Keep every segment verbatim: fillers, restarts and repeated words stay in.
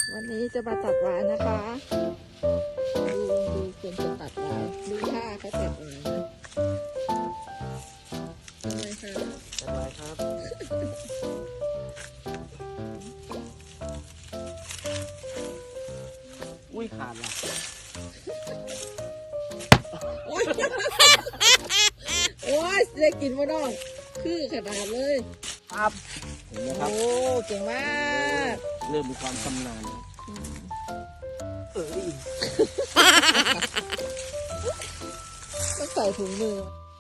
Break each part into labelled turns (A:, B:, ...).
A: วันนี้จะมาตัดหวายนะคะดูดูคนจะตัดหวายดูท่าเขาตัดหวายนะทำไมคะ
B: สบายครับอุ้ยขาดละ
A: โอ้ยโอ้ยได้กินมาดองคือขนาดเลย
B: ครับเห็นไหมครับ
A: โอ้เก่งมาก
B: เริ่มมีความชำนาญเออ
A: ต้องใส่ถุงมือ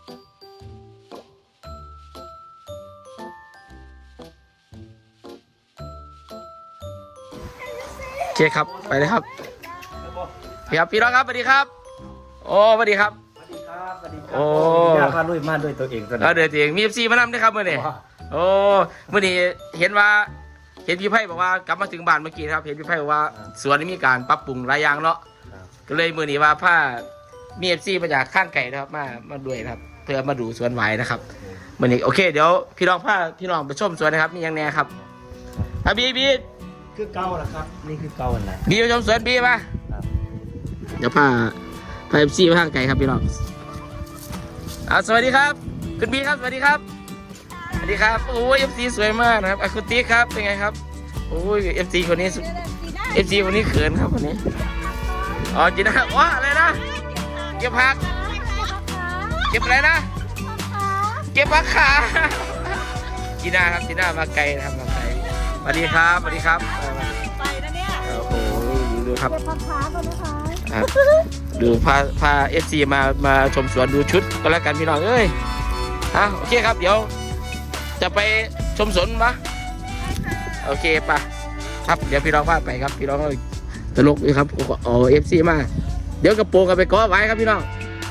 C: โอเคครับไปเลยครับพี่ครับพี่น้องครับสวัสดีครับโอ้สวัสดีครับ
B: สวัสดีครับสวัสดีครั
C: โอ้
B: อยากพาลุยมาด้วยตัวเองตัวนี้
C: เอาเดี๋ยวเองมีเอฟซีมานำด้วยครับเมื่อนี้โอ้เมื่อนี้เห็นว่าเห็นพี่ไพ่บอกว่ากลับมาถึงบ้านเมื่อกี้ครับเห็นพี่ไพ่บอกว่าสวนนี้มีการปรับปรุงหลายอย่างเนาะก็เลยเมื่อนี้ว่าผ้ามีเอฟซีมาจากข้างไก่นะครับมามาด้วยนะครับเพื่อมาดูสวนไว้นะครับเมื่อนี้โอเคเดี๋ยวพี่น้องผ้าพี่น้องไปชมสวนนะครับมีอย่างแน่ครับอ่ะบีบี
B: คือเก่าแหละครับนี่คือเก่าอันไหน
C: บีไปชมสวนบีมาเดี๋ยวผ้าผ้าเอฟซีมาข้างไก่ครับพี่น้องอ่าสวัสดีครับคุณบีครับสวัสดีครับสวัสดีครับโอ้ยเอฟซีสวยมากนะครับอะคูติกครับเป็นไงครับโอ้ยเอฟซีคนนี้เอฟซีคนนี้เขินครับคนนี้อ๋อจีน่าว้าอะไรนะเก็บผักเก็บอะไรนะเก็บผักขาจีน่าครับจีน่ามาไกลนะครับมาไกลสวัสดีครับสวัสดีครับ
A: ไปนะเนี่ย
C: โอ้โหดูครับ
A: เก็บผักขาก่อนนะคะ
C: ดูพาพาเอฟซีมามาชมสวนดูชุดก็แล้วกันพี่น้องเอ้ยอ่ะโอเคครับเดี๋ยวจะไปชมสวนมะโอเคปะครับเดี๋ยวพี่น้องพาไปครับพี่น้องตลกเลยครับอ๋อเอฟซีมาเดี๋ยวกระโปรงกันไปก้อไว้ครับพี่น้อง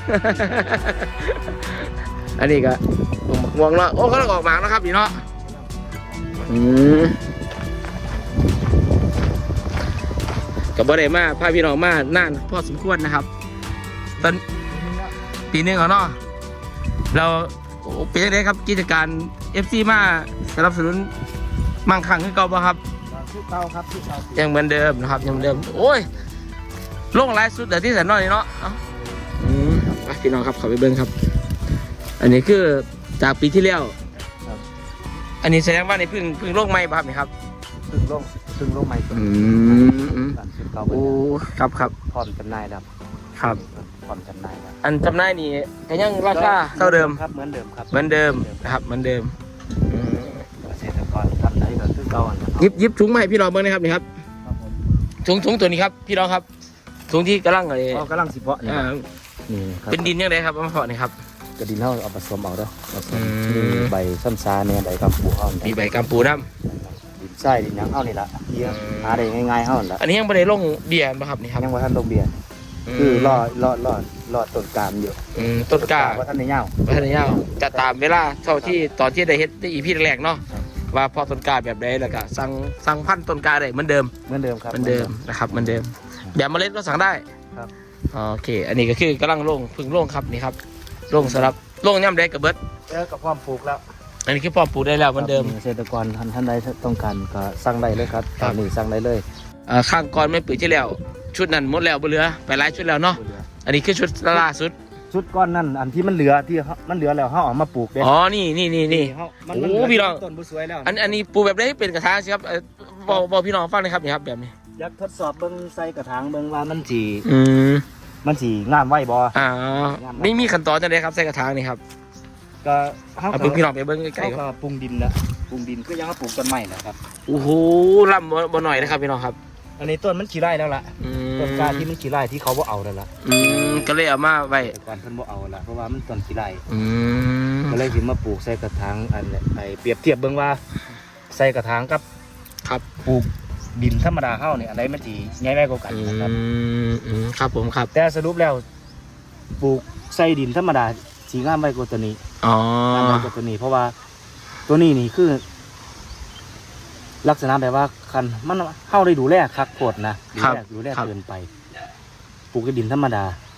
C: อันนี้ก็งวงแล้วโอ้เขาต้องออกหมากนะครับพี่น้องอืมกับบ่ได้มาพาพี่น้องมานานพอสมควรนะครับตอนปีนึงเขาเนาะเราเป็นยังไงครับกิจการ เอฟ ซี มาสนับสนุนมั่งคั่งขึ้นเก่าป่ะครับ
B: คือเก่าครับคือเก่า
C: ยังเหมือนเดิมนะครับยังเหมือนเดิมโอ้ยลงไลฟ์สุดแต่ที่แสนน้อยเนาะอืมพี่น้องครับขอไปเบิ้งครับอันนี้คือจากปีที่แล้วอันนี้แสดงว่าในพึ่งพึ่งโลกใหม่ป่ะครับนี่ครับ
B: พึ่งลงพึ่งลงใหม่
C: อืมโอ้ครับครับ
B: ผ่อนจำหน่ายครับ
C: ครับ
B: ผ่อนจำหน่ายครับ
C: อันจำหน่ายนี่ก็ยังราคาเท่าเดิม
B: ครับเหมือนเดิมครับ
C: เหมือนเดิมนะครับเหมือนเดิม
B: เกษตรกรทำได้ก็คือเก่า
C: ยิบยิบถุงใหม่พี่น้องเบิ้งนะครับนี่ครับถุงถุงตัวนี้ครับพี่น้องครับถุงที่กำลังอะไร
B: กำลังสิเพาะนี่
C: เป็นดินยังไงครับมาเพาะนี่ครับ
B: กระดินเท่าเอาผสมเอาเด้อมีใบซ้ำซาเนี่ยใบกัมปูเท่า
C: มีใบกัมปูน้
B: ำดินไส้ดินยังเท่านี่ละเยี่ยหาได้ง่ายๆเท่านั้นละ
C: อันนี้ยังไม่ได้ลงเบียร์ป่ะครับนี่ครับ
B: ยังว่าท่านลงเบียร์คือรอรอรอรอต้นกามอยู่
C: ต้นกา
B: ว่าท่านในเง่า
C: ว่าท่านในเง่าจะตามเวลาเท่าที่ตอนที่ได้เฮ็ดได้อีพีแรกเนาะว่าพอต้นกาแบบใดแล้วก็สั่งสั่งพันธุ์ต้นกาได้เหมือนเดิม
B: เหมือนเดิมครับ
C: เหมือนเดิมนะครับเหมือนเดิมแบบเมล็ดก็สั่งได้
B: ครับ
C: โอเคอันนี้ก็คือกำลังลงพึ่งลงครับนี่ครับลงสำหรับลงย่ำแดงกับเบิร์ด
B: เออกับความปลูกแล้ว
C: อันนี้คือพอปลูกได้แล้วเหมือนเดิม
B: เกษตรกรท่านท่านใดต้องการก็สั่งได้เลยครับตอนนี้สั่งได้เลย
C: ข้างก่อนไม่ปุ๋ยที่แล้วชุดนั้นหมดแล้วบ่เหลือไปหลายชุดแล้วเนาะอันนี้คือชุดล่าสุด
B: ชุดก้อนนั่นอันที่มันเหลือที่มันเหลือแล้วเขาออกมาปลูกเด้
C: อ๋อนี่นี่นี่นี่โอ้พี่น้อง
B: ต้นบุสวยแล้ว
C: อันอันนี้ปลูกแบบได้เป็นกระถางสิครับบอกบอกพี่น้องฟังเลยครับนี่ครับแบบนี้
B: อยากทดสอบเบิ้งใส่กระถางเบิ้งว่ามันจี
C: อืม
B: มันจีงามไหวบ่
C: อ่าไม่มีขั้นตอนจะได้ครับใส่กระถางนี่ครับ
B: ก็
C: เอาพึ่งพี่น้องไปเบิ้งใกล้
B: ๆก็ปรุงดินนะปรุงดินก็ยังมาปลูกต้นไม้นะครับ
C: โอ้โหล่ำบ่หน่อยนะครับพี่น้องครับ
B: อันนี้ต้นมันขี้ไร่แล้วล่ะต้นกาที่มันขี้ไร่ที่เขาบ่เอาแล้วล่ะ
C: อืมก็เลยเอามาไว้
B: ก่อนเพิ่นบ่เอาละเพราะว่ามันต้นขี้ไร่
C: อืม
B: ก็เลยสิมาปลูกใส่กระถางอันไอ้เปรียบเทียบเบิ่งว่าใส่กระถางกับ
C: ครับ
B: ปลูกดินธรรมดาเฮาเนี่ยอะไรมันสิง่ายไว้กว่ากันนะครับ
C: อืมครับผมครับ
B: แต่สรุปแล้วปลูกใส่ดินธรรมดาสีงามไว้กว่าตัวนี้
C: อ๋อ
B: งามไว้กว่าตัวนี้เพราะว่าตัวนี้นี่คือลักษณะแบบว่าคันมันเข้าได้ดูแลคักโคตรนะดูแลดูแลเกินไปปลูกกับดินธรรมดา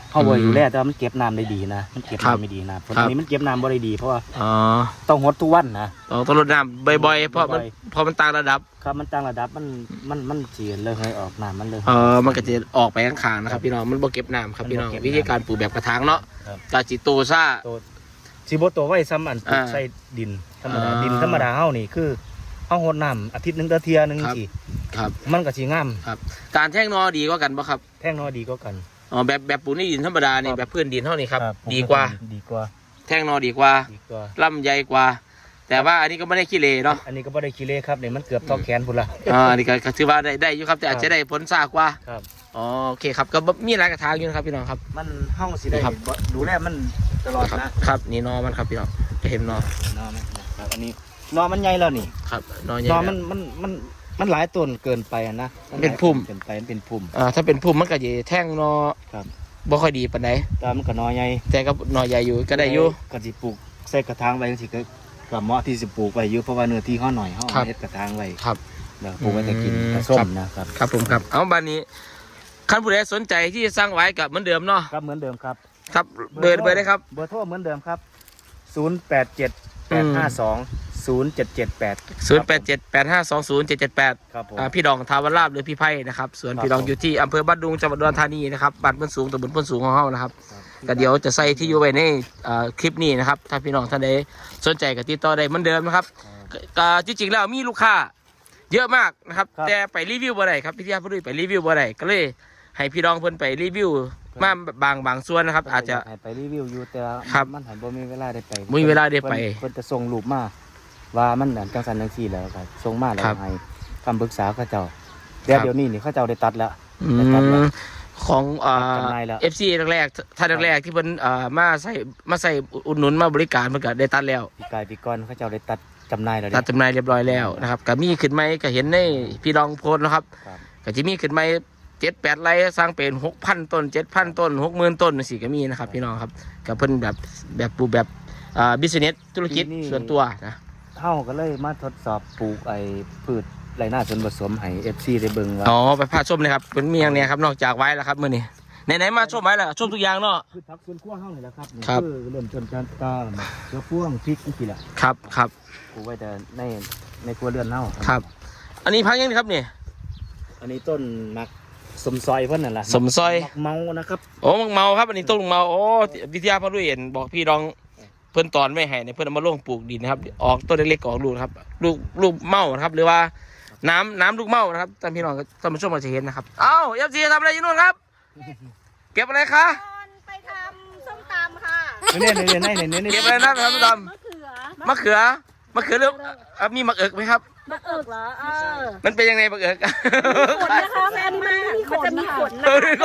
B: เฮาบ่
C: อืม
B: อยู่แล้วแต่ว่ามันเก็บน้ำได้ดีนะมันเก็บ
C: ครับ
B: น้ำไม่ดีนะผล
C: ครับ
B: นี้มันเก็บน้ำบ่ได้ดีเพราะว่า
C: อ๋อ
B: ต้องหดทุกวันนะ
C: ต้องต้องรดน้ำบ่อยๆเพราะมัน
B: บ่อย
C: เพราะมันต่างระดับ
B: ครับมันต่างระดับมันมันมันเสียเลยให้ออกน้ำมันเลย
C: เออมันก็จะออกไปข้างๆนะครับพี่น้องมันบ่เก็บน้ำครับพี่น้อง
B: มันบ่เก็บน้ำ
C: วิธีการปลูกแบบกระถางเนาะ
B: ครับ
C: กาจิโตซ่า
B: โตสิบ่โตไว้ซ้ำอันปลูก
C: อ่า
B: ใส่ดินธรรมดา
C: อ่า
B: ดินธรรมดาเฮานี่คือเฮาหดน้ำอาทิตย์หนึงเทื่อเที่ยหนึง
C: ครับ
B: สิ
C: ครับ
B: มันก็สิงาม
C: ครับ การแท่งนอดีกว่ากันปะครับ
B: แท่งน้อยดีกว่ากัน
C: อ๋อแบบแบบปลูกในดินธรรมดานี่
B: ครับ
C: แบบพื้นดินเท่านี้ครับ
B: ครับผม
C: ดีกว่า
B: ดีกว่า
C: แท่งนอดีกว่า
B: ดีกว่า
C: ลำใหญ่กว่า แต่ว่าอันนี้ก็ไม่ได้ขี้เลเนาะ
B: อันนี้ก็บ่ได้ขี้เละครับนี่มันเกือบเท่าแขนพุ่นละ
C: อ่าอันนี้ก็ก็ถือว่าได้ได้อยู่ครับแต่อาจจะได้ผลซากว่า
B: ครับ
C: อ๋อโอเคครับก็บ่มีหลายกระถางอยู่นะครับพี่น้องครับ
B: มันเฮาสิได้
C: ครับ
B: บ่ดูแลมันตลอด
C: ครับ
B: นะครับ
C: นี่นอมันครับพี่น้องจะเห็นนอน
B: อมันครับอันนี้นอมันใหญ่แล้วนี่
C: ครับนอใหญ่
B: นอ
C: แล้ว
B: มันมันมันมันหลายต้นเกินไปอะนะ
C: เป็นพุ่ม
B: เกินไปมันเป็นพุ่ม
C: อ่าถ้าเป็นพุ่มมันก็จะแท่งนอ
B: ครับ
C: บ่ค่อยดีปานใด
B: แต่มันก็นอใหญ่
C: แต่ก็นอใหญ่อยู่ก็ได้อยู่
B: ก็สิปลูกใส่กระถางไว้สิก็ก็เหมาะที่สิปลูกไว้อยู่เพราะว่าเนื้อที่เฮาหน่อยเฮา
C: ครับ
B: เฮ็ดกระถางไว้
C: ครับ
B: แล้วปลูกไว้จะกิน
C: อืม
B: กระส้
C: ครั
B: ม
C: บ
B: นะครับ
C: ครับผมครับเอาบ้านนี้คันผู้ใดสนใจที่จะสร้างไว้กับเหมือนเดิมเนาะ
B: ครับเหมือนเดิมครับ
C: ครับเบอร์เบอร์ได้ครับ
B: เบอร์โทรเหมือนเดิมครับศูนย์ แปด เจ็ด แปด ห้า สอง ศูนย์ เจ็ด เจ็ด แปด
C: ศูนย์แปดเจ็ดแปดห้าสองศูนย์เจ็ดเจ็ดแปด
B: ครับผม
C: อ่าพี่ดองทาวราบหรือพี่ไพ่นะครับส่วน
B: ครับ
C: พี่ดอง
B: ผม
C: อยู่ที่อำเภอบ้านดุงจังหวัดอุดรธานีนะครับบ้านเพิ่นสูงตำบลเพิ่นสูงของเฮานะครับ
B: ครับ
C: ก็เดี๋ยวจะใส่ที่อยู่ไว้ในอ่าคลิปนี้นะครับถ้าพี่น้องท่านใดสนใจก็ติดต่อได้เหมือนเดิมนะครับก็ก็จริงๆแล้วมีลูกค้าเยอะมากนะครับ
B: ครับ
C: แต่ไปรีวิวบ่ได้ครับพี่ที่พุ่ยไปรีวิวบ่ได้ก็เลยให้พี่ดองเพิ่นไปรีวิวมาบางบางส่วนนะครับ อาจจะ
B: ให้ไปรีวิวอยู่แต่ว่า
C: ครับ
B: มันหันบ่มีเวลาได้ไป
C: บ่มีเวลาได้ไป
B: เพิ่นเพิ่นจะส่งรูปมาว่ามันนั่นจังซั่นจังซี่แล้วก็ส่งมาแล้ว
C: ครับ
B: ให้คำปรึกษาเขาเจ้าแต่
C: ครับ
B: เดี๋ยวนี้นี่เขาเจ้าได้ตัดแล้ว
C: อื
B: ได้ตัดแล้ว
C: มของอ่า
B: จำหน่ายแล้ว
C: เอฟซีแรกๆท่านแรกๆที่เพิ่นอ่ามาใส่มาใส่อุดหนุนมาบริการเพิ่นก็ได้ตัดแล้ว
B: ปีกายปีก่อนเขาเจ้าได้ตัดจำหน่ายแล้วเด้
C: ตัดจำหน่ายเรียบร้อยแล้วนะครับก็มีขึ้นไหมก็เห็นในพี่รองโพสต์นะครับ
B: ครับ
C: ก็จะมีขึ้นไหมเจ็ดแปดไร่สร้างเป็นหกพันต้นเจ็ดพันต้นหกหมื่นต้นสี่ก็มีนะครับพี่น้องครับกับเพิ่นแบบแบบปลูกแบบอ่าบิสเนสธุรกิจส่วนตัวนะ
B: เฮาก็เลยมาทดสอบปลูกไอ้พืชไรหน้าส่วนผสมให้ เอฟ ซี ได้เบิ่งว่า
C: อ๋อไปพาชมเลยครับเป็นมีอย่างเนี้ยครับนอกจากไว้แล้วครับมื้อนี้ไหนๆมาชมไว้แล้วชมทุกอย่างเนาะ
B: พืชผักสวนครัวเฮานี่แหละครับนี่
C: ครับ
B: คือเริ่มต้นการตาเชื้อพ่วงพริกจังซี่แหละ
C: ครับครับ
B: ปลูกไว้แต่ในในครัวเรือนเฮา
C: ครับ อันนี้พักยังไงครับนี่
B: อันนี้ต้นมักสมซอยเพิ่นนั่นล่ะ
C: สมซอย
B: มักเมานะครับ
C: โอ้มังเมาครับอันนี้ต้นมังเมาโอ้วิทยาพระรุ่ยเห็นบอกพี่รองเพิ่นตอนไม่ให้เนี่ยเพิ่นเอามาลงปลูกดินนะครับออกต้นเล็กๆออกลูกนะครับลูกลูกเมานะครับ หรือว่าน้ำน้ำลูกเมานะครับท่านพี่น้องท่านผู้ชมอาจจะเห็นนะครับเอ้าเอฟซีทำอะไรอยู่นู่นครับ เก็บอะไรคะ
A: ไปทำส้มตำค่ะ
B: เนี่ยเนี่ยเนี่ยเนี่ยเนี่ย
C: เก็บอะไรนะท่านผู้ชม
A: มะเขือ
C: มะเขือมะเขือเรื่องอ่ะมีมะเอิกไหมครับ
A: มะเอิกเหรอเออ
C: มันเป็นยังไงมะเอิก
A: ขนนะคะแม่นี่มันไม่มีขนจะมีขนนะ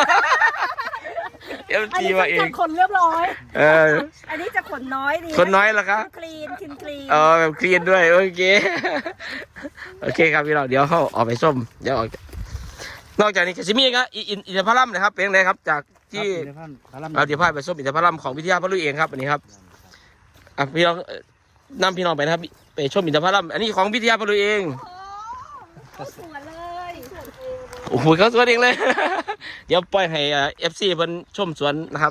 C: เอฟซีมาเอง
A: ขนเรียบร้อย
C: เออ
A: อันนี้จะขนน้อยดี
C: ขนน้อยเหรอคะ
A: คลีนคลีนคลีน
C: เออแบบคลีนด้วยโอเค โอเคครับพี่เราเดี๋ยวเขาออกไปส้มเดี๋ยวออกนอกจากนี้จะมีครับอินอินทผลัมนะครับเป็นไงครับจากที่เราเดี๋ยวพาไปส้มอินทผลัมของวิทยาพลุยเองครับอันนี้ครับอ่ะพี่น้องเอ่อนำพี่น้องไปนะครับไปชมอินทผลัมอันนี้ของวิทยาพลุยเอง
A: โอ้สวนเลย
C: โอ้โหเขาสวนเองเลย เดี๋ยวปล่อยให้เอฟซีเพิ่นชมสวนนะครับ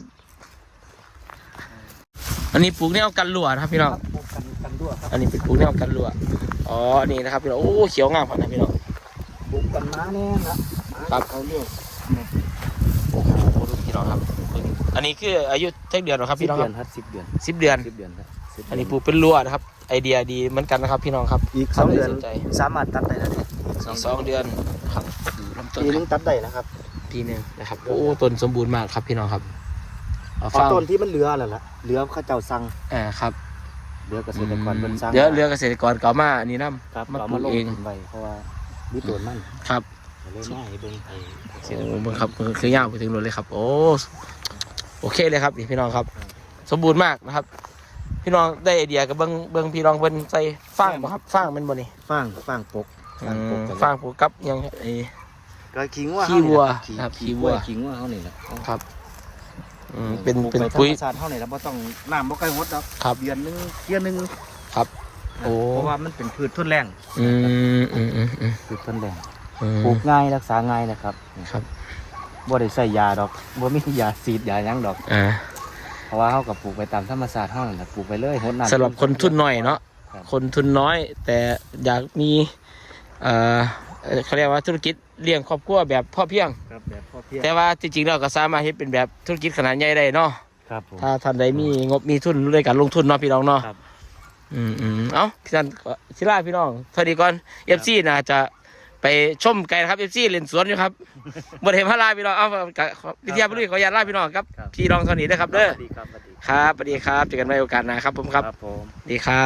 C: อันนี้ปลูกแนวกันรั่วนะครับพี่น้อง
B: กันกันด้วยครับ
C: อันนี้เป็นปลูกแนวกันรั่วอ๋อนี่นะครับพี่น้องโอ้เขียวงามขนาดนะพี่น้อง
B: ปลูกกันม้าแน่นะครับ เขาเรียก
C: โอ้โหดูพี่น้องครับ อันนี้คืออายุเท่าเดือนหรอครับพี่น้อง
B: เดื
C: ค
B: อ
C: รับ
B: นครับสิบเดือน
C: สิบเดือน
B: สิบเดือนครับสิบเดื
C: อันนี้ปลูกเป็นรั่วนะครับ ไอเดียดีเหมือนกันนะครับ พี่น้องครับ
B: อีกสองเดือน
C: สนใจ
B: สามารถตัดได้แล้วเนี่ย
C: สองสองเดือนครับลำต้น
B: ปีนึงตัดได้แล้วครับ
C: ปีหนึ่งนะครับโอ้ต้นสมบูรณ์มากครับพี่น้องครับเอา
B: เอา
C: ฟัง
B: ต้นที่มันเหลือแล้วล่ะเหลือเข้าเจ้าสั่ง
C: อ่าครับ
B: เหลือเกษตรกรเป็นสั่ง
C: เดี๋ยวเรือเกษตรกรเก่ามาอันนี้น้
B: ครับ
C: มา
B: เรา
C: ปลู
B: มาก ลง
C: เอง
B: ทุนไว้เพราะว่ามีตัวมัน
C: ำครับ
B: เลยมาให้เบิ่งไอ้เกษ
C: โอ้
B: ตรกร
C: เบิ่งครับคือยาวไปถึงนู่นเลยครับ โอ้โอเคเลยครับนี่พี่น้องครับ สมบูรณ์มากนะครับ พี่น้องได้ไอเดียกับเบิ้งเบิ้งพี่น้องเบิ้งใส่ฟางบ่ครับฟางเป็นบ่นี่
B: ฟางฟางปก
C: อื
B: ฟางปก
C: ม
B: กัน
C: ฟางผูกกับยังไอ
B: ก็ขี้งัว
C: ขี้วัว
B: ขี้
C: ครับขี้
B: ขี้
C: วั
B: วั
C: ว
B: วขี้งัวเขานี่แหละ
C: ครับอืมเป็น
B: ปลูก
C: เป็น
B: ไป
C: ปุ๋ย
B: ธรรมชาติเขานี่แหละบ่ต้องน้ำบ่ใกล้หดดอก
C: ครับ
B: เดือนหนึงเที่ยหนึง
C: ครับโอ้
B: เพราะว่ามันเป็นพืชทนแรง
C: อืมอืมอืมอืม
B: พืชทนแรง
C: อืม
B: ปลูกง่ายรักษาง่ายนะครับ
C: ครับ
B: บ่ได้ใส่ยาดอกบ่มียาสีดยาหยังดอก
C: อ่า
B: เพราะว่าเฮาก็ปลูกไปตามธรรมชาติเฮานั่นแหละปลูกไปเลยหดน้ำ
C: สำหรับคนทุนน้อยเนาะ
B: ครับ
C: คนทุนน้อย แต่อยากมีเอ่อเอ่อเขาเรียกว่าธุรกิจเลี้ยงครอบครัวแบบพ่อเพียง
B: ครับแบบพอเพียง
C: แต่ว่าจริงๆเราก็สามารถเฮ็ดเป็นแบบธุรกิจขนาดใหญ่ได้เนาะ
B: ครับผม
C: ถ้าท่านใดมีงบมีทุนด้วยการลงทุนเนาะพี่น้องเนาะ
B: ครับ
C: อืมอืมเอ้าพี่ท่านก็ศิลาพี่น้องสวัสดีก่อนเอฟซีน่าจะไปชมไก่นะครับเอฟซีเล่นสวนอยู่ครับ บริเวณพระลาพี่น้องเอากับวิทยาบุรีขออนุญาตลาพี่น้องครับ
B: ครับ
C: พี่น้องเท่านี้นะครับเด้อ
B: สวัสดีครับสวัสดี
C: ครับสวัสดีครับเจอกันใหม่โอกาสหน้าครับผมครับ
B: ครับผม
C: สวัสดีครับ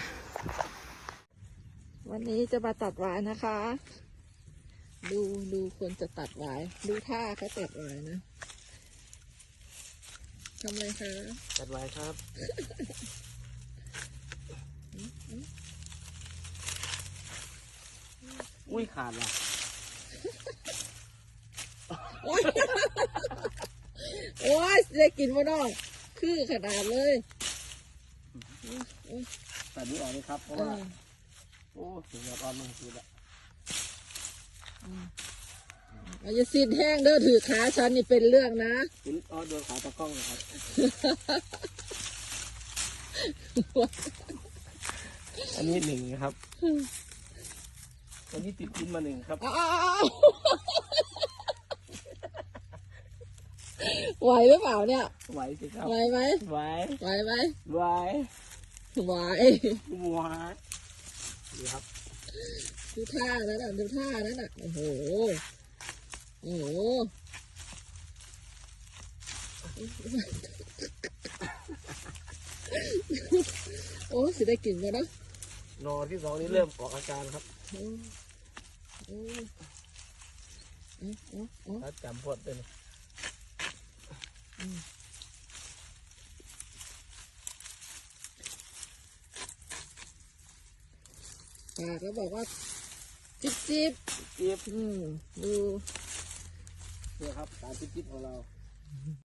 A: วันนี้จะมาตัดหวายนะคะ ดูดูคนจะตัดหวายดูท่าเขาตัดหวายนะทำอะไรคะ
C: จัดไว้ครับ อุ้ยขาดละ
A: โอ้ยโอ้ยได้กินมาน้องคือขนาดเลย
C: ตัดนี้ออกเลยครับเพราะ
A: เอ
C: ว่า
A: อ
C: โอ้ถึงยอดอ่อนมันคือละ
A: เอาอย่าซีดแห้งเด้อถือขาฉันนี่เป็นเรื่องนะ
C: ถึงอ๋อโดนขาตะกล้องนะครับอันนี้หนึ่งนะครับอันนี้ติดดินมาหนึ่งครับ
A: เอาเอาเอาเอาไหวหรือเปล่าเนี่ย
C: ไหวสิครับ
A: ไหวไหม
C: ไหว
A: ไหวไหม
C: ไหว
A: ไหว
C: ไหวดีครับ
A: ดูท่านั้นน่ะดูท่านั้นน่ะโอ้โหโอ้โหโอ้สิได้กลิ่นมาเนาะ
C: นอที่สองนี้เริ่มออกอาการครับ
A: โอ้โอ้โอ้โอ้โอ้
C: ถ้าจำพดเลย
A: ปากแล้วบอกว่าจิ๊บจิ๊บ
C: จิ๊บ
A: อืมดู
C: เนี่ยครับการจิ๊บจิ๊บของเรา